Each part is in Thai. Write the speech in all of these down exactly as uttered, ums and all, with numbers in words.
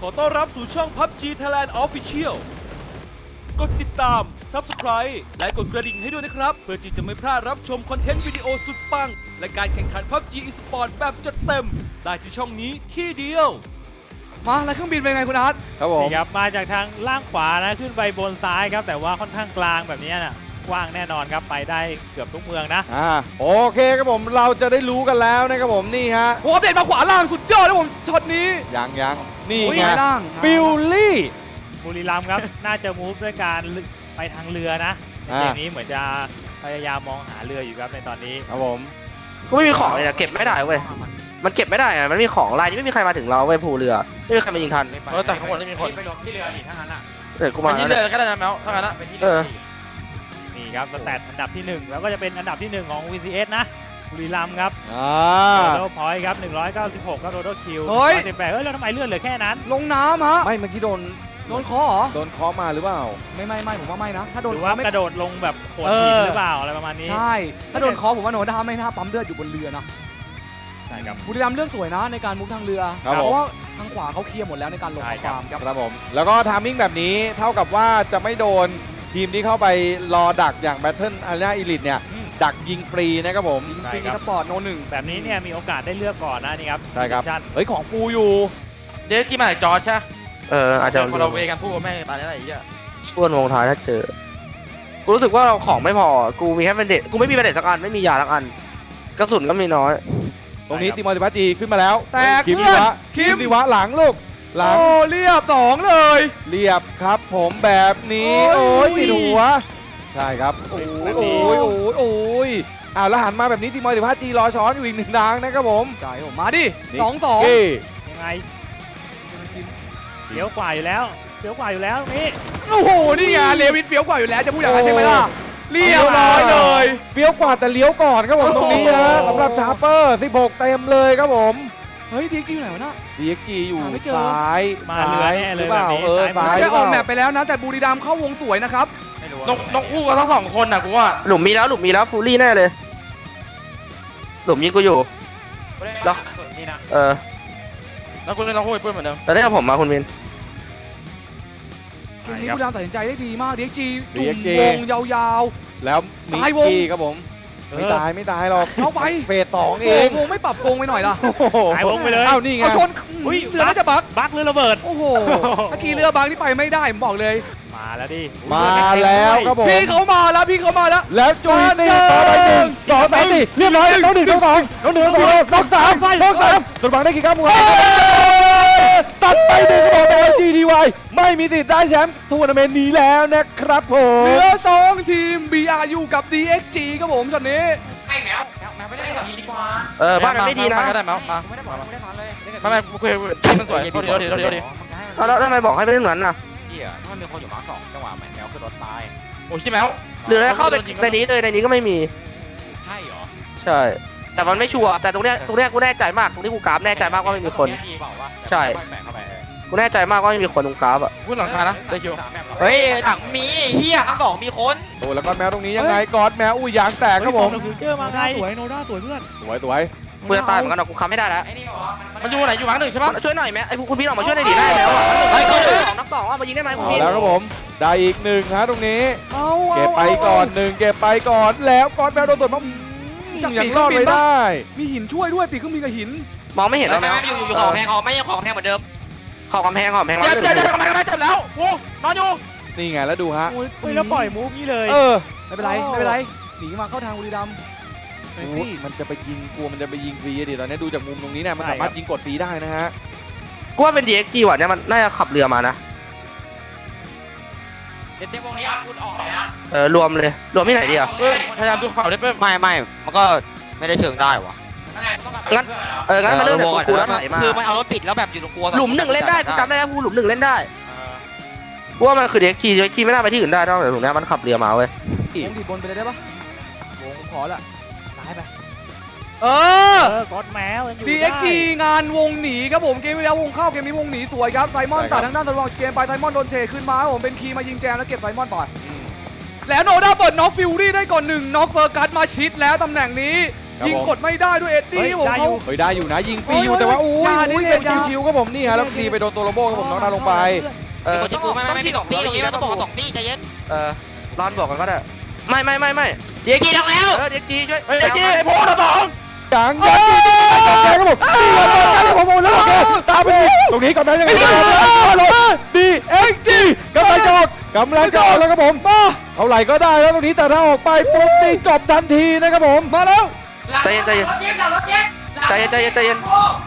ขอต้อนรับสู่ช่อง พับจี Thailand Official กดติดตาม Subscribe และกดกระดิ่งให้ด้วยนะครับ เพื่อที่จะไม่พลาดรับชมคอนเทนต์วิดีโอสุดปัง และการแข่งขัน พับจี Esport แบบจัดเต็ม ได้ที่ช่องนี้ที่เดียวมาแล้วเครื่องบินเป็นไงคุณอาร์ตครับผมนี่ครับมาจากทางล่างขวานะขึ้นไปบนซ้ายครับแต่ว่าค่อนข้างกลางแบบนี้นะกว้างแน่นอนครับไปได้เกือบทุกเมืองนะอ่าโอเคครับผมเราจะได้รู้กันแล้วนะครับผมนี่ฮะโอ้อัปเดตมาขวาล่างสุดยอดเลยผมช็อตนี้ยังยังนี่โอ้ยไงล่างฟิลลี่บุรีรัมย์ครับ น่าจะมูฟด้วยการไปทางเรือนะในเกมนี้เหมือนจะพยายามมองหาเรืออยู่ครับในตอนนี้ครับผมกูไม่มีของเลยนะเก็บไม่ได้เว้ย มันเก็บไม่ได้อะมันมีของลายนี้ไม่มีใครมาถึงเราเว้ยภูเรือ ไม่มีใครมายิงทันเออแต่ข้างบนไม่มีคนไปลงที่เรือดิถ้างั้นอ่ะเออกูมัมานที่แล้วเรือเนี่ยก็ได้นะแมวถ้างั้นอะไปที่เอเรืออดินี่ครับสแตทอันดับที่หนึ่งแล้วก็จะเป็นอันดับที่หนึ่งของ วี ซี เอส นะบุรีรัมย์ครับอ่าโดโดพอยต์ครับหนึ่งร้อยเก้าสิบหกครับโดโดคิวเฮ้ยสิบแปดเฮ้ยแล้วทำไมเลือดเหลือแค่นั้นลงน้ำฮะไม่เมื่อกี้โดนโดนคอเหรอโดนเคาะมาหรือเปล่าไม่ไม่ไม่ผมว่าไม่นะ ถ้าหโดนรือคอว่าไม่กระโดดลงแบบโขดเออหินหรือเปล่าอะไรประมาณนี้ใช่ ถ้าโดนคอผมว่าโนด้าไม่น่าปั๊มเลือดอยู่บนเรือนะใช่ครับบุรีรัมย์เลือกสวยนะในการมุกทางเรือครับเพผมราะว่าทางขวาเขาเคลียร์หมดแล้วในการลงใช่ข้อครับความครับครับผมแล้วก็ทามมิ่งแบบนี้เท่ากับว่าจะไม่โดนทีมที่เข้าไปรอดักอย่าง Battle Arena Elite เนี่ยดักยิงฟรีนะครับผมยิงฟรีสปอร์ตโนหนึ่งแบบนี้เนี่ยมีโอกาสได้เลือกก่อนนะนี่ครับใช่ครับชั่นเฮ้ยของฟูอยู่เดี๋ยวที่มาจากจอร์จใช่เอออาจจะคนเราเวกันพูดว่าแม่งตายแล้วไอ้เหี้ยช่วงวงท้ายถ้าเจอ กูรู้สึกว่าเราของไม่พอ กูมีแค่เป็นเด็ดกูไม่มีเป็นเด็ดสักอัน ไม่มียาสักอัน กระสุนก็มีน้อยตรงนี้ติมอร์ติพัจีขึ้นมาแล้วแตกคิมเพื่ดิอนวะคิมดิวะหลังลูกหลังโอ้เรียบสองเลยเรียบครับผมแบบนี้โอ้โอ้ยยติดหัวใช่ครับโอ้ยแบบโอ้นี้ยโอ้ยโอ้ยอ้าวแล้วหันมาแบบนี้ทีมอลติพัจีรอช้อนอยู่อีกหนึ่งทางนะครับผมใช่ผมมาดินี่สองสองเก้ยังไงเลี้ยวกว่าอยู่แล้วเลี้ยวกว่าอยู่แล้วนี่โอ้โห นี่ไงเลวินเฟี้ยวกว่าอยู่แล้วจะพูดอย่างนั้นใช่ไหมล่ะ เรียบร้อยเลยเฟี้ยวกว่าแต่เลี้ยวก่อนครับผมโอ้โหตรงนี้ฮะสำหรับชาร์เปอร์สิบหกเต็มเลยครับผมเฮ้ยดีกิ้วไหนวะน่ะดี เอ็กซ์ จี อยู่หาไม่เจอซ้ายมาเรือแน่เลยหรือเปล่าแบบนี้เออซ้าซ้าย ยน่าจะออกหรืแมเปปไปแล้วนะ แต่บุรีรัมย์เข้าวงสวยนะครับไม่รู้นกนกคู่กันทั้งสองคนน่ะกูว่าหลุมมีแล้ว หลุมมีแล้วฟูรี่แน่เลย หลุมยิงกูอยู่แล้แล้ว วนี่นะเออแล้วกูเล่นนกคู่ไอ้เพื่อนเหมือนเดิมแต่ได้กับผมมาคุณมินเกมนี้บุรีรัมย์ตัดสินใจได้ดีมาก ดี เอ็กซ์ จีดีจุ่เอ็มกซ์ จีวงยาวแล้วมีตายวงกี้ครับผม ไม่ตายไม่ตายหรอกเข้าไปเฟสสองๆเองวงไม่ปรับโกงไปหน่อยล่ะโอ้โหหายวงไปเลยเอ้านี่ไงเอาชนอุ๊ยเรือน่าจะบักบักหรือระเบิดโอ้โหเมื่อกี้เรือบางที่ไปไม่ได้ผมบอกเลยมาแล้วดิมาแล้วครับผมพี่เขามาแล้วพี่เขามาแล้วแล้วจุยตีต่อไปหนึ่งสองสามสี่เรียบร้อยน้องหนึ่งน้องสองน้องหนึ่งน้องสองน้องสามน้องสามตัวบังได้กี่ครับมึงตัดไปหนึ่งต่อไปจีดีวายไม่มีติดได้แชมป์ทัวร์นาเมนต์นี้แล้วนะครับผมเหลือสองทีม บี อาร์ ยู กับ ดี เอ็กซ์ จี ครับผมช็อตนี้ไอ้แมวแมวแมวไม่ได้กับดีดีกว่าเออบ้านมันไม่ดีนะก็ได้แมวมาไม่ได้บอมาก มาไม่ได้นอนเลยไม่ไม่กูเคยที่มันสวยโทษทีโทษทีโทษทีโทษทีเอาแล้วทำไมบอกให้ไปเล่นเหมือนน่ะพี่อ่ะถ้ามันมีคนอยู่มาสองจังหวะแมวขึ้นรถตายโอ้ยใช่แมวหรือจะเข้าไปในนี้เลยในนี้ก็ไม่มีใช่เหรอใช่ แต่มันไม่ชัวร์ แต่ตรงเนี้ยตรงเนี้ยกูแน่ใจมาก ตรงที่กูกราฟแน่ใจมากว่าไม่มีคนดีเปล่าวะใช่แฝงเข้าไปเออกูแน่ใจมากว่าไม่มีคนตรงกราฟอ่ะพูดหลังคานะได้คิวสามแมปหรอเฮ้ยหลังมีเฮียทั้งสองมีคนโอ้แล้วก็แมวตรงนี้ยังไงกอดแมวอุ้ยยางแตกครับผมฟิวเจอร์มาโนไงด้าสวยโนด้าสวยเพื่อนสวยสวยกูจะตายเหมือนกันหรอกกูค้ำไม่ได้แล้วไอ้นี่เหรอมันอยู่ไหนอยู่หลังหนึ่งใช่ปะช่วยหน่อยไหมไอ้คุณพี่ออกมาช่วยในดีได้แล้วอ่ะเฮ้ยเฮ้เฮ้ยยสองนักสองอ่ะมายิงได้ไหมคุณเอาพี่แล้วครับผมได้อีกหนึ่งฮะตรงนี้เอาเก็บไปก่อนหนึ่งเก็บไปก่อนแล้วกอดแมวโดนตรวจมายังรอดไม่ได้มีหินช่วยด้วยปีกเครื่องบินกับหินมองไม่เห็นแล้แล้ว วแม่แมวอยู่อยู่ของแพงของไม่ยังของแพงเหมือนเดิมขอบกำแพงขอบกำแพงเจ็บเจ็บเจ็บทำไมทำไมเจ็บแล้วโอ้นอนอยู่นี่ไงแล้วดูฮะโอ้ยเฮ้ยแล้วปล่อยมูฟนี่เลยเออไม่เป็นไรไม่เป็นไรหนีมาเข้าทางบุรีรัมย์เฟรนตี้มันจะไปยิงกลัวมันจะไปยิงฟรีดิตอนนี้ดูจากมุมตรงนี้เนี่ยมันสามารถยิงกดฟรีได้นะฮะกูว่าเป็น ดี เอ็กซ์ จี ว่ะเนี่ยมันน่าจะขับเรือมานะเด็ดเด็กวงนี้เอาคุณออกเลยนะเออรวมเลย รวมที่ไหนดีอ่ะเพิ่มพยายามดูข่าวได้เพิ่มไม่ไม่มันก็ไม่ได้เชิงได้วะอะไรมันต้องการงั้น เอองั้นมาเริ่มจากตัวกูแล้วไหลมาคือมันเอารถปิดแล้วแบบอยู่ตรงกลัวหลุมหนึ่งเล่นได้กูจำได้แล้วกูหลุมหนึ่งเล่นได้เออกูว่ามันคือ ดี เอ็กซ์ จี ดี เอ็กซ์ จี ไม่น่าไปที่อื่นได้นอกจากตรงเนี้ยมันขับเรือมาเว้ยวงดีบนไปเลยได้ปะวงผมขอละซ้ายไปเออเออกดแมวยังอยู่ดีได้เอ็กซ์ จี งานวงหนีครับผมเกมที่แล้ววงเข้าเกมนี้วงหนีสวยครับไซมอนใช่ครับตัดทางด้านตะวันออกเกมไปไซมอนโดนเชขึ้นมาครับผมเป็นคีย์มายิงแจมแล้วเก็บไซมอนไปแล้วโนด้าเปิดน็อกฟิวรี่ได้ก่อนหนึ่งน็อกเฟอร์กัสมาชิดแล้วตำแหน่งนี้ครับยิงผมกดไม่ได้ด้วยเอ็ดดี้เฮ้ยผมได้อเขายู่เฮ้ยได้อยู่นะยิงฟรีโอ้ยอยู่แต่ว่าอุ้ยยาดิอุ้ยเล่เป็นนยาชิวๆครับผมนี่ฮะแล้วตีไปโดนตัวโรโบครับผมน้องนาลงไปเออเป็นคนที่กูไม่ไม่ไม่มีสองตีตรงนี้ต้องบอกสองตีใจเย็นเออรอนบอกกันก็ได้ไม่ไม่ไม่ไม่เดี๋ยวกี่ดอกแล้วเออเด็กจีช่วยเฮ้ยไอ้จี้ไอ้โพสต์สองจังยังยิงครับผมตีกันเลยครับผมแล้วโอเคตามไปดิตรงนี้ก่อนนะยังไงดีเอ็กจีกำลังจะออกกำลังจะออกแล้วครับผมเท่าไหร่ก็ได้แล้วตรงนี้แต่ถ้าออกไปปุ๊บตีจบทันทีนะครับผมมาแล้วใจเย็นใจเย็นใจเย็นใจเย็นใจเย็น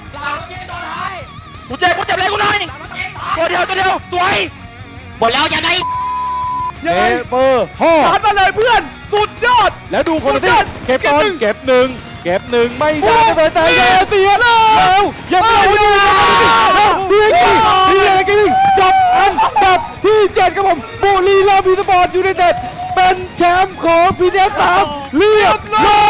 กูเจ็บกูเจ็บเลยกูหน่อยตัวเดียวตัวเดียวสวยหมดแล้วอย่าได้เอเปอร์ห่อชาร์จมาเลยเพื่อนสุดยอดแล้วดูคนที่เก็บบอลเก็บหนึ่งเก็บหนึ่งไม่ได้เลยแต่แย่เสียแล้วยังไม่ได้ดีกีดีกีจบอันดับที่เจ็ดครับผมบุรีรัมย์อีสปอร์ตยูไนเต็ดเป็นแชมป์ของพีเอสสามเรียบร้อย